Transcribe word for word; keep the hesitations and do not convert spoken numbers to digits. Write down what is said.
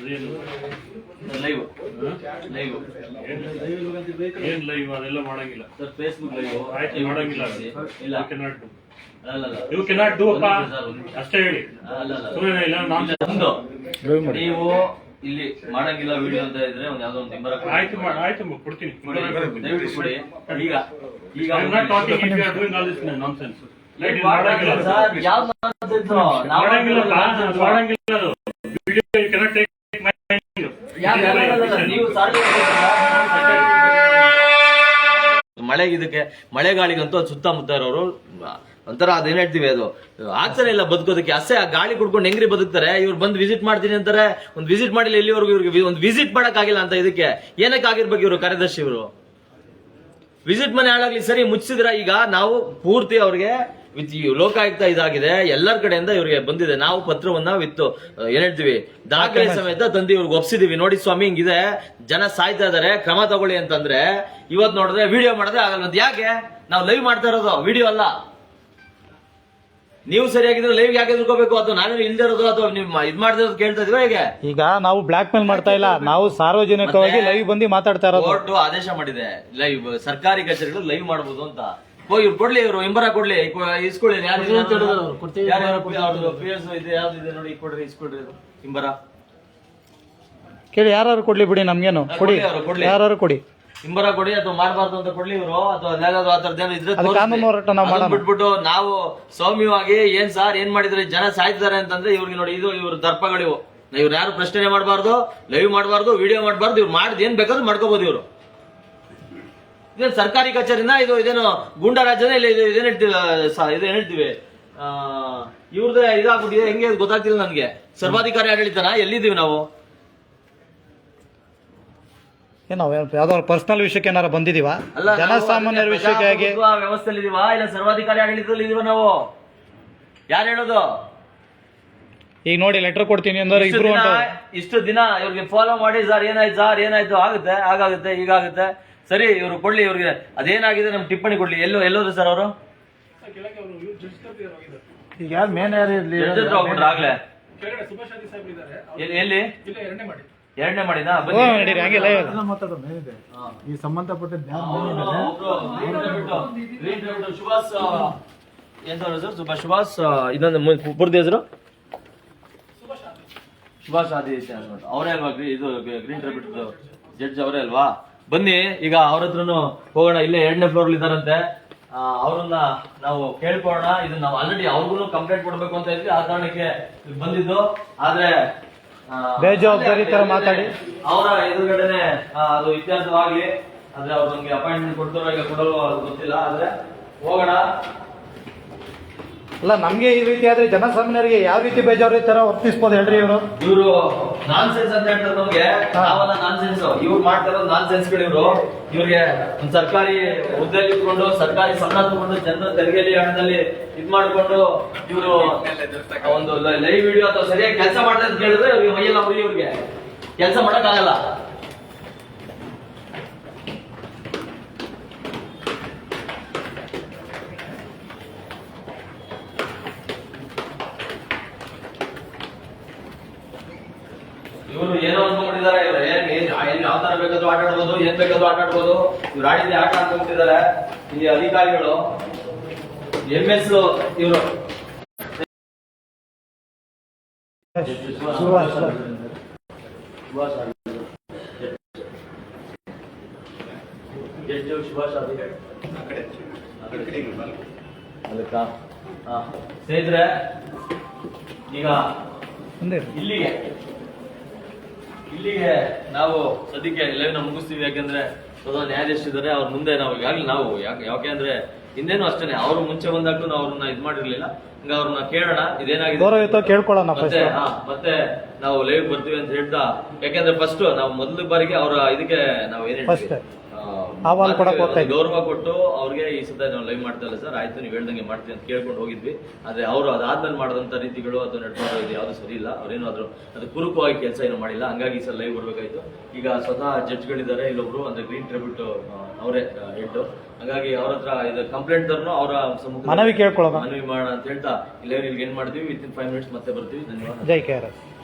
Live live ಏನ್ live ಅದೆಲ್ಲ ಮಾಡಂಗಿಲ್ಲ ಸರ್. ಫೇಸ್ಬುಕ್ ಲೈವ್ ಆಯ್ತು ಮಾಡಂಗಿಲ್ಲ ಇಲ್ಲ. ಅಲ್ಲಲ್ಲ ಯು ಕೆನಾಟ್ ಡೂ ಅಪ್ಪ ಅಷ್ಟೇ ಹೇಳಿ. ಸುಮ್ಮನೆ ಇಲ್ಲ ನಾನು ನೀವು ಇಲ್ಲಿ ಮಾಡಂಗಿಲ್ಲ ವಿಡಿಯೋ ಅಂತ ಇದ್ರೆ ಒಂದ್ ಯಾವ್ದೋ ಒಂದು ನಿಂಬರ್ ಆಯ್ತು ಮಾಡ ಆಯ್ತು ಕೊಡ್ತೀನಿ ದಯವಿಟ್ಟು ಕೊಡಿ. ಈಗ ಈಗ I am not talking if you are doing all this nonsense. ಮಾಡಂಗಿಲ್ಲ ಸರ್. ಯಾವ್ದು ಮಾಡಂಗಿಲ್ಲ ಮಾಡಂಗಿಲ್ಲ ಅದು video you cannot take my ನೀವು ಮಳೆಗೆ ಇದಕ್ಕೆ ಮಳೆಗಾಳಿಗಂತೂ ಅದು ಸುತ್ತಮುತ್ತ ಇರೋರು ಒಂಥರ ಅದೇನ್ ಹೇಳ್ತೀವಿ ಅದು ಆಗ್ತಾನೆ ಇಲ್ಲ ಬದುಕೋದಕ್ಕೆ. ಅಷ್ಟೇ ಆ ಗಾಳಿ ಕುಡ್ಕೊಂಡು ಹೆಂಗ್ರಿ ಬದುಕ್ತಾರೆ. ಇವ್ರು ಬಂದು ವಿಸಿಟ್ ಮಾಡ್ತೀನಿ ಅಂತಾರೆ. ಒಂದು ವಿಸಿಟ್ ಮಾಡಿಲ್ಲ ಇಲ್ಲಿವರೆಗೂ. ಇವ್ರಿಗೆ ಒಂದು ವಿಸಿಟ್ ಮಾಡಕ್ ಆಗಿಲ್ಲ ಅಂತ ಇದಕ್ಕೆ ಏನಕ್ಕೆ ಆಗಿರ್ಬೇಕು ಇವರು ಕಾರ್ಯದರ್ಶಿ ಇವರು ವಿಸಿಟ್ ಮನೆ ಹಾಳಾಗ್ಲಿ ಸರಿ ಮುಚ್ಚಿದ್ರ. ಈಗ ನಾವು ಪೂರ್ತಿ ಅವ್ರಿಗೆ ವಿತ್ ಲೋಕಾಯುಕ್ತ ಇದಾಗಿದೆ ಎಲ್ಲರ ಕಡೆಯಿಂದ ಇವ್ರಿಗೆ ಬಂದಿದೆ. ನಾವು ಪತ್ರವನ್ನ ವಿತ್ ಏನ್ ಹೇಳ್ತೀವಿ ದಾಖಲೆ ಸಮೇತ ತಂದು ಇವ್ರಿಗೆ ಒಪ್ಸಿದೀವಿ. ನೋಡಿ ಸ್ವಾಮಿ ಹಿಂಗಿದೆ ಜನ ಸಾಯ್ತಾ ಇದಾರೆ ಕ್ರಮ ತಗೊಳ್ಳಿ ಅಂತಂದ್ರೆ ಇವತ್ ನೋಡಿದ್ರೆ ವಿಡಿಯೋ ಮಾಡಿದ್ರೆ ಆಗಲ್ಲ. ಯಾಕೆ ನಾವು ಲೈವ್ ಮಾಡ್ತಾ ಇರೋದು ವಿಡಿಯೋ ಅಲ್ಲ. ನೀವು ಸರಿಯಾಗಿದ್ರೆ ಲೈವ್ ಯಾಕೆ ತಿಳ್ಕೋಬೇಕು? ಅಥವಾ ನಾವೇ ಇಲ್ದೇ ಇರೋದು ಅಥವಾ ನೀವು ಇದ್ ಮಾಡ್ದಿರೋದು ಕೇಳ್ತಾ ಇದೀವ ಹೇಗೆ? ಈಗ ನಾವು ಬ್ಲಾಕ್ ಮೇಲ್ ಮಾಡ್ತಾ ಇಲ್ಲ, ನಾವು ಸಾರ್ವಜನಿಕವಾಗಿ ಲೈವ್ ಬಂದು ಮಾತಾಡ್ತಾ ಇರೋದು. ಕೋರ್ಟ್ ಆದೇಶ ಮಾಡಿದೆ ಲೈವ್ ಸರ್ಕಾರಿ ಕಚೇರಿಗಳು ಲೈವ್ ಮಾಡಬಹುದು ಅಂತ. ಹೋಗಿ ಇವ್ರು ಕೊಡ್ಲಿ, ಇವರು ಇಂಬರ ಕೊಡ್ಲಿ, ಇಸ್ಕೊಳ್ಳಿ. ಯಾವ್ದಿದೆ ನೋಡಿ ಕೊಡ್ರಿ, ಇಸ್ಕೊಡ್ರಿ ಇಂಬರ ಕೇಳಿ. ಯಾರು ಕೊಡ್ಲಿ ಬಿಡಿ, ನಮ್ಗೇನು ಕೊಡಿ, ಯಾರು ಕೊಡಿ ಇಂಬರ ಕೊಡಿ. ಅಥವಾ ಮಾಡಬಾರ್ದು ಅಂತ ಕೊಡ್ಲಿ ಇವರು. ಅಥವಾ ಆ ತರದೇನು ಇದ್ರೆ ಕಾನೂನು ಹೋರಾಟ ನಾವು ಮಾಡೋಣ. ಬಿಟ್ಬಿಟ್ಟು ನಾವು ಸೌಮ್ಯವಾಗಿ ಏನ್ ಸಾರ್ ಏನ್ ಮಾಡಿದ್ರೆ ಜನ ಸಾಯ್ತಿದ್ದಾರೆ ಅಂತಂದ್ರೆ ಇವ್ರಿಗೆ ನೋಡಿ ಇದು ಇವ್ರ ದರ್ಪಗಳಿವು. ಇವ್ರು ಯಾರು ಪ್ರಶ್ನೆ ಮಾಡಬಾರ್ದು, ಲೈವ್ ಮಾಡಬಾರ್ದು, ವಿಡಿಯೋ ಮಾಡಬಾರ್ದು. ಇವ್ರು ಮಾಡಿದ್ ಏನ್ ಬೇಕಾದ್ರೂ ಮಾಡ್ಕೋಬಹುದು. ಇವರು ಇದೇನು ಸರ್ಕಾರಿ ಕಚೇರಿನ ಇದು ಇದೇನು ಗೂಂಡಾ ರಾಜ್ಯನ ಇಲ್ಲ ಇದೇನ್ ಹೇಳ್ತೀವಿ ಇದೇನ್ ಹೇಳ್ತೀವಿ ಆ ಇವ್ರದೇ ಇದಾಗ್ಬಿಟ್ಟಿದೆ. ಹೆಂಗೆ ಗೊತ್ತಾಗ್ತಿಲ್ಲ ನನ್ಗೆ. ಸರ್ವಾಧಿಕಾರಿ ಆಡಳಿತನ ಎಲ್ಲಿದ್ದೀವಿ ನಾವು? ನಾವು ಯಾವ್ದೋ ಪರ್ಸನಲ್ ವಿಷಯಕ್ಕೆ ಏನಾರ ಬಂದಿದೀವಾ? ಜನಸಾಮಾನ್ಯರ ವಿಷಯಕ್ಕೆ ಹೇಗೆ ವ್ಯವಸ್ಥೆಯಲ್ಲಿ ಇದೀವಾ ಇಲ್ಲ ಸರ್ವಾಧಿಕಾರಿ ಆಡಳಿತದಲ್ಲಿ ಇದೀವ ನಾವು? ಯಾರು ಹೇಳೋದು? ಈಗ ನೋಡಿ ಲೆಟರ್ ಕೊಡ್ತೀನಿ ಅಂದ್ರೆ ಇಬ್ರು ಇಷ್ಟು ದಿನ ಇವ್ರಿಗೆ ಫಾಲೋ ಮಾಡಿ ಸರ್ ಏನಾಯ್ತು ಸರ್ ಏನಾಯ್ತು ಆಗುತ್ತೆ ಆಗಾಗುತ್ತೆ ಈಗಾಗುತ್ತೆ ಸರಿ ಇವ್ರು ಕೊಡ್ಲಿ. ಇವ್ರಿಗೆ ಅದೇನಾಗಿದೆ ನಮ್ ಟಿಪ್ಪಣಿ ಕೊಡ್ಲಿ. ಎಲ್ಲೋ ಎಲ್ಲೋದ್ರು ಸರ್ ಅವರು? ಈಗ ಯಾರು ಮೇನ್ ಯಾರು ಆಗ್ಲೇ ಎಲ್ಲಿ ಎರಡನೇ ಮಾಡಿದ ಈ ಸಂಬಂಧಪಟ್ಟ ಸುಭಾಷ್ ಎಂತ ಸರ್? ಸುಭಾಷ್ ಸುಭಾಷ್ ಇನ್ನೊಂದು ಪೂರ್ತಿ ಹೆಸರು ಸುಭಾಷ್ ಆದಿತ್ಯ ಅವರೇ ಅಲ್ವಾ? ಇದು ಗ್ರೀನ್ ಟ್ರಿಬ್ಯೂಟ್ ಜಡ್ಜ್ ಅವರೇ ಅಲ್ವಾ? ಬನ್ನಿ ಈಗ ಅವ್ರ ಹತ್ರನು ಹೋಗೋಣ. ಇಲ್ಲೇ ಎರಡನೇ ಫ್ಲೋರ್ ಇದಾರಂತೆ. ಅವ್ರನ್ನ ನಾವು ಕೇಳ್ಕೊಳ್ಳೋಣ. ಇದು ನಾವು ಆಲ್ರೆಡಿ ಅವ್ರಿಗೂ ಕಂಪ್ಲೇಂಟ್ ಕೊಡ್ಬೇಕು ಅಂತ ಇದ್ವಿ. ಆ ಕಾರಣಕ್ಕೆ ಬಂದಿದ್ದು. ಆದ್ರೆ ಬೇಜವಾಬ್ದಾರಿ ತರ ಮಾತಾಡಿ ಅವರ ಎದುರುಗಡೆನೆ ಅದು ಇತ್ಯರ್ಥವಾಗ್ಲಿ. ಆದ್ರೆ ಅವ್ರು ನಮ್ಗೆ ಅಪಾಯಿಂಟ್ಮೆಂಟ್ ಕೊಡ್ತಾರೋ ಈಗ ಕೊಡಲು ಗೊತ್ತಿಲ್ಲ. ಆದ್ರೆ ಹೋಗೋಣ. ಅಲ್ಲ ನಮ್ಗೆ ಈ ರೀತಿ ಆದ್ರೆ ಜನಸಾಮಾನ್ಯರಿಗೆ ಯಾವ ರೀತಿ ಬೇಜವಾಬ್ದಾರಿ ತರ ವರ್ತಿಸ್ಬೋದು ಹೇಳ್ರಿ ಇವರು? ಇವರು ನಾನ್ ಸೆನ್ಸ್ ಅಂತ ಹೇಳ್ತಾರೆ ನಮ್ಗೆ. ನಾವೆಲ್ಲ ನಾನ್ ಸೆನ್ಸ್. ಇವ್ರು ಮಾಡ್ತಾ ಇರೋದು ನಾನ್ ಸೆನ್ಸ್ಗಳು. ಇವರು ಇವ್ರಿಗೆ ಒಂದು ಸರ್ಕಾರಿ ಹುದ್ದೆಯಲ್ಲಿ ಇಟ್ಕೊಂಡು ಸರ್ಕಾರಿ ಸಂಬಳ ತಗೊಂಡು ಜನರ ತೆರಿಗೆಯಲ್ಲಿ ಹಣದಲ್ಲಿ ಇದ್ ಮಾಡ್ಕೊಂಡು ಇವರು ಒಂದು ಲೈವ್ ವಿಡಿಯೋ ಅಥವಾ ಸರಿಯಾಗಿ ಕೆಲಸ ಮಾಡ್ತಾರೆ ಅಂತ ಕೇಳಿದ್ರೆ ಇವ್ರಿಗೆ ಮೈಯೆಲ್ಲ ಉರಿ. ಇವ್ರಿಗೆ ಕೆಲಸ ಮಾಡಕ್ ಆಗಲ್ಲ. ಇವರು ಏನೋ ಅನ್ಕೊಂಡಿದ್ದಾರೆ. ಇವ್ರು ಏನ್ ಯಾವ ತರ ಬೇಕಾದ್ರೂ ಆಟ ಆಡ್ಬೋದು, ಏನ್ ಬೇಕಾದ್ರೂ ಆಟ ಆಡ್ಬೋದು. ಇವ್ರು ಆಡಿದ್ರೆ ಆಟ ಅನ್ಕೊಂಡಿದ್ದಾರೆ ಇಲ್ಲಿ ಅಧಿಕಾರಿಗಳು. ಎಂ ಎಸ್ ಇವರು ಸುಭಾಷ್ ಅದಕ್ಕ ಸ್ನೇಹಿತರೆ ಈಗ ಇಲ್ಲಿಗೆ ಇಲ್ಲಿಗೆ ನಾವು ಸದ್ಯಕ್ಕೆ ಲೈವ್ ನ ಮುಗಿಸ್ತೀವಿ. ಯಾಕಂದ್ರೆ ಸ್ವತಃ ನ್ಯಾಯಾಧೀಶರಿದ್ದಾರೆ. ಅವ್ರ ಮುಂದೆ ನಾವು ಈಗಾಗಲೇ ನಾವು ಯಾಕೆ ಯಾಕೆಂದ್ರೆ ಹಿಂದೇನು ಅಷ್ಟೇನೆ ಅವರು ಮುಂಚೆ ಬಂದಾಗ್ಲೂ ನಾವು ಅವ್ರನ್ನ ಇದ್ ಮಾಡಿರ್ಲಿಲ್ಲ. ಹಂಗ ಅವ್ರನ್ನ ಕೇಳೋಣ ಇದೇನಾಗಿದೆ ಕೇಳ್ಕೊಳ್ಳೋಣ. ಮತ್ತೆ ಮತ್ತೆ ನಾವು ಲೈವ್ ಬರ್ತೀವಿ ಅಂತ ಹೇಳ್ತಾ, ಯಾಕಂದ್ರೆ ಫಸ್ಟ್ ನಾವು ಮೊದಲ ಬಾರಿಗೆ ಅವರ ಇದಕ್ಕೆ ನಾವು ಏನ್ ಹೇಳ್ತೀವಿ ಗೌರವ ಕೊಟ್ಟು ಅವ್ರಿಗೆ ಈ ಸದ ನಾವು ಲೈವ್ ಮಾಡ್ತಾ ಇಲ್ಲ ಸರ್ ಆಯ್ತು ನೀವು ಹೇಳ್ದಂಗೆ ಮಾಡ್ತೀವಿ ಅಂತ ಕೇಳ್ಕೊಂಡು ಹೋಗಿದ್ವಿ. ಆದ್ರೆ ಅವರು ಅದಾದ್ಮೇಲೆ ಮಾಡಿದಂತ ರೀತಿಗಳು ಅಥವಾ ನಡ್ಕೊಂಡು ಇದು ಯಾವ್ದು ಸರಿ ಇಲ್ಲ. ಅವ್ರೇನು ಆದ್ರು ಅದು ಕುರುಕವಾಗಿ ಕೆಲಸ ಏನು ಮಾಡಿಲ್ಲ. ಹಂಗಾಗಿ ಈ ಸಲ ಲೈವ್ ಬರ್ಬೇಕಾಯ್ತು. ಈಗ ಸ್ವತಃ ಜಡ್ಜ್ಗಳಿದ್ದಾರೆ ಇಲ್ಲೊಬ್ರು ಅಂದ್ರೆ ಗ್ರೀನ್ ಟ್ರಿಬ್ಯೂಟ್ ಅವರೇ ಹೆಡ್. ಹಾಗಾಗಿ ಅವ್ರ ಹತ್ರ ಇದು ಕಂಪ್ಲೇಂಟ್ ತರನು ಅವರ ಮನವಿ ಕೇಳ್ಕೊಳ್ಳೋಣ ಮನವಿ ಮಾಡೋಣ ಅಂತ ಹೇಳ್ತಾ ಲೈವ್ ಏನ್ ಮಾಡ್ತೀವಿ. ವಿತ್ ಇನ್ ಫೈವ್ ಮಿನಿಟ್ಸ್ ಮತ್ತೆ ಬರ್ತೀವಿ. ಧನ್ಯವಾದ. ಜೈ ಕೆ ಆರ್ ಎಸ್.